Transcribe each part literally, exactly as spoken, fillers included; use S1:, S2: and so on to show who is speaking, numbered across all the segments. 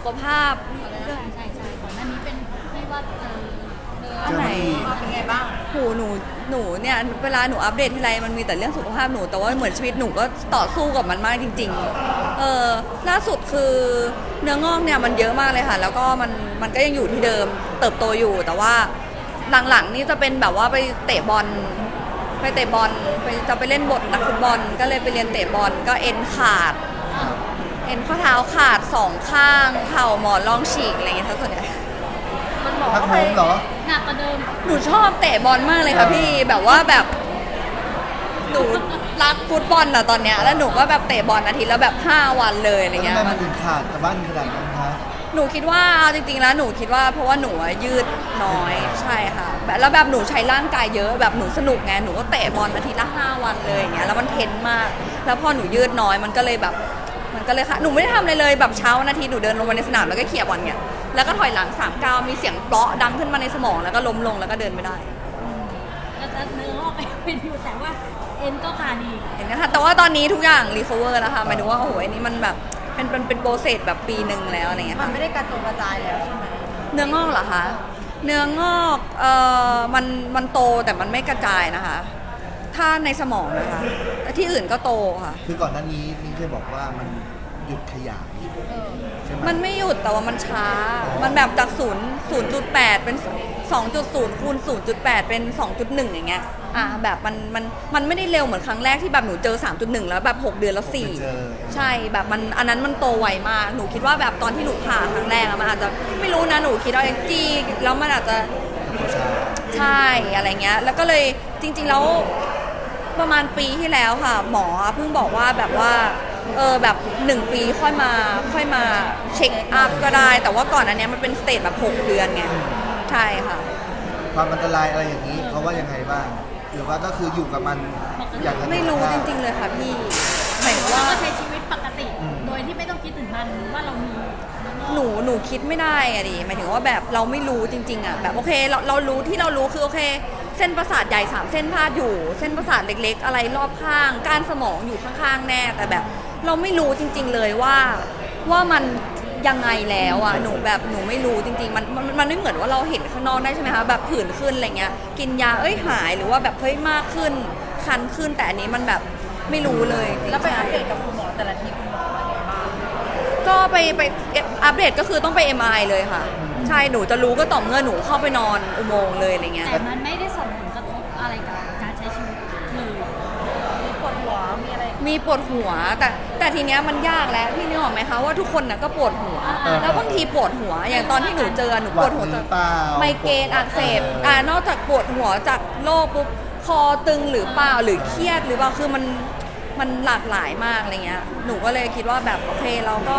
S1: ขภาพ
S2: ใช่ใช่ใช่ก่อนหน้านี้เป็นที่ว่าเออเนื้อ
S1: อันไหน
S2: เป็นไงบ้าง
S1: หูหนูหนูเนี่ยเวลาหนูอัปเดตทีไรมันมีแต่เรื่องสุขภาพหนูแต่ว่าเหมือนชีวิตหนูก็ต่อสู้กับมันมากจริงๆเออล่าสุดคือเนื้องอกเนี่ยมันเยอะมากเลยค่ะแล้วก็มันมันก็ยังอยู่ที่เดิมเติบโตอยู่แต่ว่าหลังๆนี่จะเป็นแบบว่าไปเตะบอลไปเตะบอลไปจะไปเล่นบทนักฟุตบอลก็เลยไปเรียนเตะบอลก็เอ็นขาดเอ็นข้อเท้าขาดสองข้างเข่าหมอนรองฉีกอะไรอย่างเงี้ยทั้งส่วนใหญ่
S2: มันหมอ
S3: พักโฮมเหรอ
S2: หนักกว่าเดิม
S1: หนูชอบเตะบอลมากเลยค่ะพี่แบบว่าแบบหนูรักฟุตบอลอะตอนเนี้ยแล้วหนูก็แบบเตะบอลอาทิตย์แล้วแบบห้าวันเลยอะไร
S3: แล้ว
S1: เงี้
S3: ทำ
S1: ย
S3: ไมมันถึงขาดกับบ้านขนาดนั้นคะ
S1: หนูคิดว่าจริงๆแล้วหนูคิดว่าเพราะว่าหนูอะยืดน้อยใช่ค่ะแบบแล้วแบบหนูใช้ร่างกายเยอะแบบหนูสนุกไงหนูก็เตะบอลอาทิตย์ละห้าวันเลยอย่างเงี้ยแล้วมันเพ้นมาก แล้วพอหนูยืดน้อยมันก็เลยแบบมันก็เลยค่ะหนูไม่ได้ทำอะไรเลยแบบเช้าวันอาทิตย์หนูเดินลงมาในสนามแล้วก็เขี่ยบอลเนี่ยแล้วก็ถอยหลังสามเก้าวมีเสียงเปราะดังขึ้นมาในสมองแล้วก็ล้มลงแล้วก็เดินไม่ได้
S2: แล้วจะเนื้องอกไปเป็นอยู่แต่ว่าเอ็นก็ขาดอีก
S1: เห็นไหมคะแต่ว่าตอนนี้ทุกอย่างรีคอเวอร์แล้วค่ะหมายถึงว่าโอ้โหอันนี้มันแบบเป็นเป็นเป็นโปรเซสแบบปีหนึ่งแล้วอะไรเงี้ย
S2: มัน
S1: ค่ะ
S2: ไม่ได้กระจงกระจายแล้วใช่ไหม
S1: เนื้องอกเหรอคะเนื้องอกเอ่อมันมันโตแต่มันไม่กระจายนะคะ ถ้าในสมองนะคะแต่ที่อื่นก็โตค่ะ
S3: คือก่อนหน้านี้มิ้งเคยบอกว่ามันหยุดขยายใช่ไหม
S1: มันไม่หยุดแต่ว่ามันช้า มันแบบจากศูนย์ศูนย์จุดแปดเป็นสองจุดศูนย์คูณศูนย์จุดแปดเป็นสองจุดหนึ่งอย่างเงี้ยอ่ะแบบมันมันมันไม่ได้เร็วเหมือนครั้งแรกที่แบบหนูเจอ สามจุดหนึ่ง แล้วแบบหกเดือนแล้วสี่
S3: เจอ
S1: ใช่แบบมันอันนั้นมันโตไวมากหนูคิดว่าแบบตอนที่หนูผ่าครั้งแรกอะมันอาจจะไม่รู้นะหนูคิดว่าเอ็กจี้แล้วมันอาจจะ ใช่อะไรเงี้ยแล้วก็เลยจริงๆแล้วประมาณปีที่แล้วค่ะ หมอเพิ่งบอกว่าแบบว่าเออแบบหนึ่งปีค่อยมาค่อยมาเช็คอัพก็ได้ แต่ว่าก่อนอันเนี้ยมันเป็นสเตจแบบหกเดือนไงใช่ค่ะ
S3: ความอันตรายอะไรอย่างนี้เขาว่ายังไงบ้างหรือว่าก็คืออยู่กับมันอย่างนั้น
S1: ไม่รู้จริงๆเลยค่ะพี่หมายถึง
S2: เรา
S1: ว่า
S2: ก็ใช้ชีวิตปกติ โดยที่ไม่ต้องคิดถึงมันว่าเรามีเนื้องอก
S1: หนูหนูคิดไม่ได้อะดิหมายถึงว่าแบบเราไม่รู้จริงๆอะแบบโอเคเราเรารู้ที่เรารู้คือโอเค เส้นประสาทใหญ่สามเส้นพาดอยู่ เส้นประสาทเล็กๆ อะไรรอบข้างก้านสมองอยู่ข้างๆแน่แต่แบบ เราไม่รู้จริง ๆเลยว่าว่ามันยังไงแล้วอะหนูแบบหนูไม่รู้จริงๆมันมันมันไม่เหมือนว่าเราเห็นข้างนอกได้ใช่ไหมคะแบบผื่นขึ้นอะไรเงี้ยกินยาเอ้ยหายหรือว่าแบบเฮ้ยมากขึ้นคันขึ้นแต่อันนี้มันแบบไม่รู้เลย
S2: แล้วไปอัปเดตกับคุณหมอแต่ละทีคุณหมอว่าไงบ้าง
S1: ก็ไปไปอัปเดตก็คือต้องไป เอ็ม ไอ เลยค่ะ ใช่หนูจะรู้ก็ต่อเมื่อหนูเข้าไปนอนอุโมงค์เลยอะไรเงี้ย
S2: แต่มันไม่ได้ส่งผลกระทบอะไรกับการใช้ชีวิตเลยมีปวดหัวมีอะไร
S1: มีปวดหัวแต่แต่ทีเนี้ยมันยากแล้วพี่นึกออกไหมคะว่าทุกคนน่ะก็ปวดหัว แล้วบางทีปวดหัว อย่างตอนที่หนูเจอหนูปวดหัว
S3: ห
S1: จา
S3: รื
S1: ก
S3: อเปล่า
S1: ไมเกรนอักเสบอ่านอกจากปวดหัวจากโรคปุ๊บคอตึงหรือเปล่าหรือเครียดหรือเปล่าคือมันมันหลากหลายมากอะไรเงี้ยหนูก็เลยคิดว่าแบบโอเคเราก็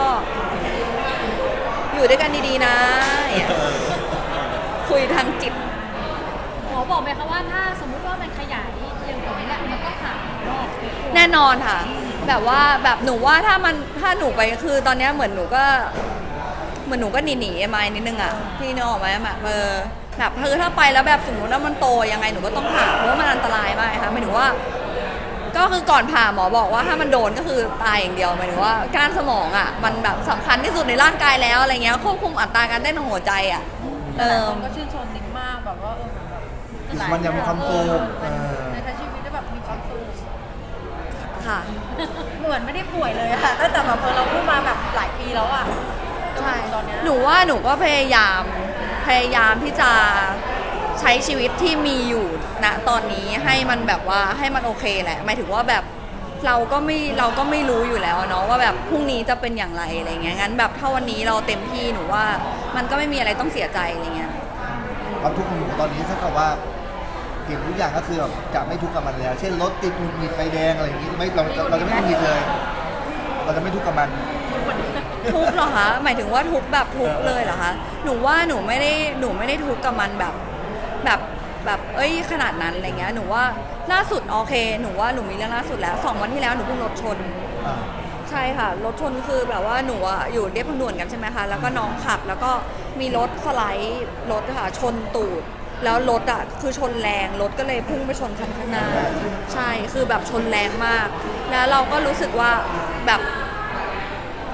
S1: อยู่ด้วยกันดีๆนะอย่างเงี้ยคุยทางจิต
S2: หมอบอกไหมคะว่าถ้าสมมุติว่ามันขยายเร็วกว่านี้แหละมันต้องผ่ารอบ
S1: แน่นอนค่ะ แบบว่าแบบหนูว่าถ้ามันถ้าหนูไปคือตอนเนี้ยเหมือนหนูก็เหมือนหนูก็หนีหนีไม้นิดนึงอ่ะพี่นึกออกไหมแบบเออแบบคือถ้าไปแล้วแบบสมมติว่ามันโตยังไงหนูก็ต้องผ่าเพราะว่ามันอันตรายมากค่ะหมายถึงว่า ก็คือก่อนผ่าหมอบอกว่าถ้ามันโดนก็คือตายอย่างเดียวหมายถึงว่าก้านสมองอ่ะมันแบบสำคัญที่สุดในร่างกายแล้วอะไรเงี้ยควบคุมอัตราการเต้นของหัวใจอ่ะเออ
S2: ก็ชื่นชมนิ้มมากแบบว่าเออแบบ
S3: อยู่มันยังมีความสุขเออ
S2: ในใช้ชีวิตได้แบบมีความสุข
S1: ค่ะ
S2: เหมือนไม่ได้ป่วยเลยอะตั้งแต่แบบเออเราพูดมาแบบหลายปีแล้วอะ
S1: ใช่
S2: ตอนเนี้ย
S1: หนูว่าหนูก็พยายามพยายามที่จะใช้ชีวิตที่มีอยู่ณตอนนี้ให้มันแบบว่าให้มันโอเคแหละหมายถึงว่าแบบเราก็ไม่เราก็ไม่รู้อยู่แล้วเนาะว่าแบบพรุ่งนี้จะเป็นอย่างไรอะไรเงี้ยงั้นแบบถ้าวันนี้เราเต็มที่หนูว่ามันก็ไม่มีอะไรต้องเสียใจอะไรเงี้ย
S3: ความทุกข์ของหนูตอนนี้เท่ากับว่าเก็บทุกอย่างก็คือแบบจะไม่ทุกข์กับมันแล้วเช่นรถติดหงุดหงิดไฟแดงอะไรอย่างนี้ไม่เราจะเราจะไม่หงุดหงิดเลย เราจะไม่ทุกข์กับมัน
S1: ทุกข์เหรอคะหมายถึงว่าทุกข์แบบทุกข์เลยเหรอคะหนูว่าหนูไม่ได้หนูไม่ได้ทุกข์กับมันแบบแบบแบบเอ้ยขนาดนั้นอะไรเงี้ยหนูว่าล่าสุดโอเคหนูว่าหนูมีเรื่องล่าสุดแล้วสองวันที่แล้วหนูเพิ่งรถชน
S3: อ่า
S1: ใช่ค่ะรถชนคือแบบว่าหนูอะอยู่เรียบทางด่วนกันใช่ไหมคะแล้วก็น้องขับ แล้วก็มีรถสไลด์รถอะค่ะชนตูด แล้วรถอะคือชนแรงรถก็เลยพุ่งไปชนคันข้างหน้าใช่คือแบบชนแรงมาก แล้วเราก็รู้สึกว่าแบบ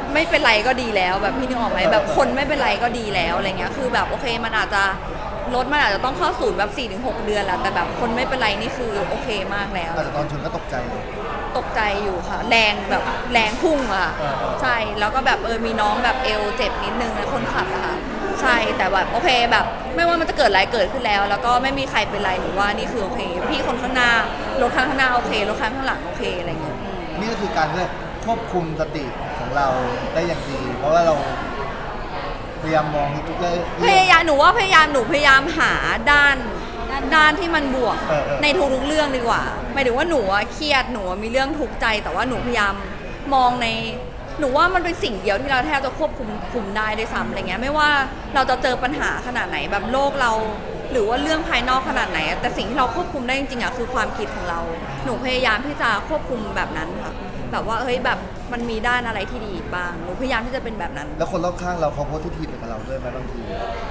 S1: ไม่เป็นไรก็ดีแล้วแบบพี่นึกออกไหมแบบคนไม่เป็นไรก็ดีแล้วอะไรเงี้ยคือแบบโอเคมันอาจจะรถมันอาจจะต้องเข้าศูนย์แบบ สี่ถึงหก เดือนแหละแต่แบบคนไม่เป็นไรนี่คือโอเคมากแล้ว
S3: แต่ตอนชนก็ตกใจเลย
S1: ตกใจอยู่ค่ะ แรงแบบแรงพุ่งอะค่ะ
S3: เออเออ
S1: ใช่แล้วก็แบบเออมีน้องแบบเอวเจ็บนิดนึงนะคนขับอะค่ะใช่แต่แบบโอเคแบบไม่ว่ามันจะเกิดอะไรเกิดขึ้นแล้ว แล้วก็ไม่มีใครเป็นไรหนูว่านี่คือโอเค พี่คนข้างหน้ารถคันข้างหน้าโอเครถคันข้างหลังโอเคอะไรเงี้ยอืม
S3: นี่ก็คือการเพื่อควบคุมสติของเราได้อย่างดี เพราะว่าเราพยายามมองทุกเรื่อง
S1: พยายามหนูว่าพยายามหนูพยายามหาด้านด้านที่มันบวก
S3: เออเออ
S1: ในทุกๆเรื่องดีกว่าหมายถึงว่าหนูอะเครียดหนูอะมีเรื่องทุกข์ใจ แต่ว่าหนูพยายามมองในหนูว่ามันเป็นสิ่งเดียวที่เราแทบจะควบคุมคุมได้ด้วยซ้ำอะไรเงี้ยไม่ว่าเราจะเจอปัญหาขนาดไหนแบบโลกเรา หรือว่าเรื่องภายนอกขนาดไหนอะแต่สิ่งที่เราควบคุมได้จริงๆอะคือความคิดของเรา หนูพยายามที่จะควบคุมแบบนั้นค่ะแบบว่าเฮ้ยแบบมันมีด้านอะไรที่ดีบ้างหนูพยายามที่จะเป็นแบบนั้น
S3: แล้วคนรอบข้างเราเขาโพสที่ทีไปกับเราด้วยไหมบางที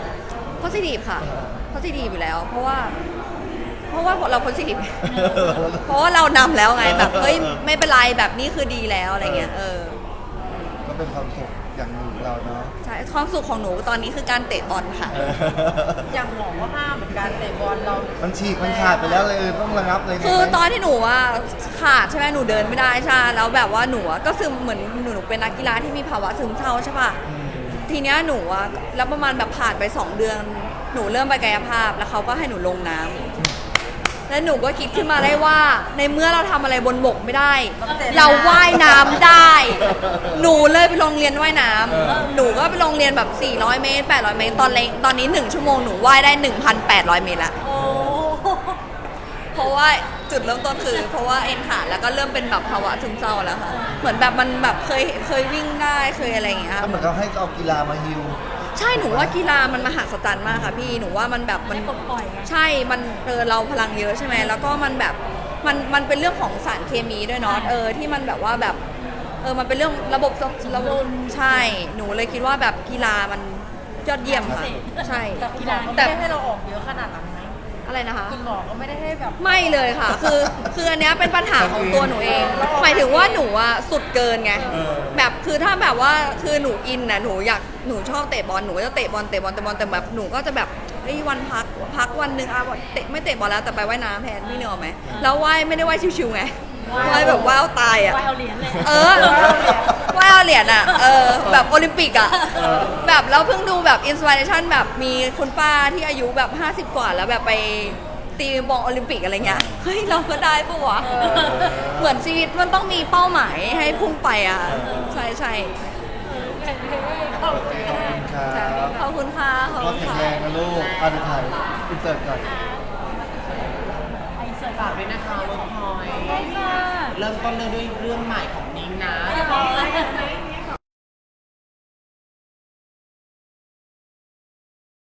S1: positive ค่ะ positive อยู่แล้ว เพราะว่า เพราะว่าเรา positive เพราะว่าเรานำแล้วไงแบบเฮ้ยไม่เป็นไรแบบนี้คือดีแล้วอะไรเงี้ยเออ
S3: ก็เป็นความสุขอย่างหนึ่งของเราเนาะ
S1: ใช่ความสุขของหนูตอนนี้คือการเตะบอลค่ะ
S2: อย่างหมอก็ห้ามเหมือนกันเตะบอลเรา
S3: มันฉีกมันขาดไปแล้วเลยต้องระงับเลย
S1: คือตอนที่หนูว่าขาดใช่ไหมหนูเดินไม่ได้ใช่แล้วแบบว่าหนูอะก็ซึมเหมือนหนูหนูเป็นนักกีฬาที่มีภาวะซึมเศร้าใช่ป่ะ
S3: อืม
S1: ทีเนี้ยหนูอะแล้วประมาณแบบผ่านไปสองเดือน หนูเริ่มไปกายภาพแล้วเขาก็ให้หนูลงน้ำแล้วหนูก็คิดขึ้นมาได้ว่า ในเมื่อเราทำอะไรบนบกไม่ได้ เราว่ายน้ำได้ หนูเลยไปโรงเรียนว่ายน้ำหนูก็ไปโรงเรียนแบบสี่ร้อยเมตรแปดร้อยเมตรตอนเล็กตอนนี้หนึ่งชั่วโมงหนูว่ายได้ หนึ่งพันแปดร้อย เมตรละ
S2: โอ้
S1: เพราะว่าจุดเริ่มต้นคือ เพราะว่าเอ็นขาดแล้วก็เริ่มเป็นแบบภาวะซึมเศร้าแล้วค่ะเหมือนแบบมันแบบเคยเคยวิ่งได้เคยอะไรอย่างเงี้ย
S3: ก็เหมือนเขาให้เอากีฬามาฮิว
S1: ใช่หนูว่ากีฬามันมหัศจรรย์มากค่ะพี่หนูว่ามันแบบมัน
S2: ได้ปลดปล่อยไง
S1: ใช่มันเออเราพลังเยอะใช่ไหมแล้วก็มันแบบมันมันเป็นเรื่องของสารเคมีด้วยเนาะเออที่มันแบบว่าแบบเออมันเป็นเรื่องระบบระบบใช่หนูเลยคิดว่าแบบกีฬามันยอดเยี่ยมค่ะใช่
S2: แต่คุณหมอก็ไม่ได้ให้เราออกเยอะขนาดนั้นไหม
S1: อะไรนะคะ
S2: คุณหมอก็ไม่ได้ให้แบบ
S1: ไม่เลยค่ะ คือคืออันเนี้ยเป็นปัญหาของตัวหนูเอง หมายถึงว่าหนูอะสุดเกินไง
S3: เออ
S1: แบบคือถ้าแบบว่าคือหนูอินนะหนูอยากหนูชอบเตะบอลหนูก็จะเตะบอลเตะบอลเตะบอลแต่แบบหนูก็จะแบบเฮ้ยวันพักพักวันหนึ่งอ่ะเตะไม่เตะบอลแล้วแต่ไปว่ายน้ำแทนพี่เนกอะไหมแล้วว่ายไม่ได้ว่ายชิวๆไงว่ายแบบว่ายเอาตายอะ
S2: ว่ายเอาเหรียญเลย
S1: เออว่ายเอาเหรียญอะเออแบบโอลิมปิกอะแบบแล้วเพิ่งดูแบบอินสปิเรชันแบบมีคุณป้าที่อายุแบบห้าสิบกว่าแล้วแบบไปตีบอลโอลิมปิกอะไรเงี้ย เฮ้ยเราก็ได้ปะวะ เหมือนชีวิตมันต้องมีเป้าหมายให้พุ่งไปอ่ะ ใช่ใช่
S2: ขอบคุณค่ะ
S3: ครับ
S1: ขอบคุณค่ะ ขอบ
S3: ก็
S1: คุณ
S3: แข็ง
S1: ค่ะ
S3: แรงนะลูกอาดูถ่ายอินเสิร์ตก่อน
S2: ไอเสิร์ต
S4: ฝากด้วยนะคะเวิร์กพอย
S2: ได้ค่ะ
S4: เริ่มต้นเลยด้วยเรื่องใหม่ของนิ้งนะ
S2: ได้ค่ะ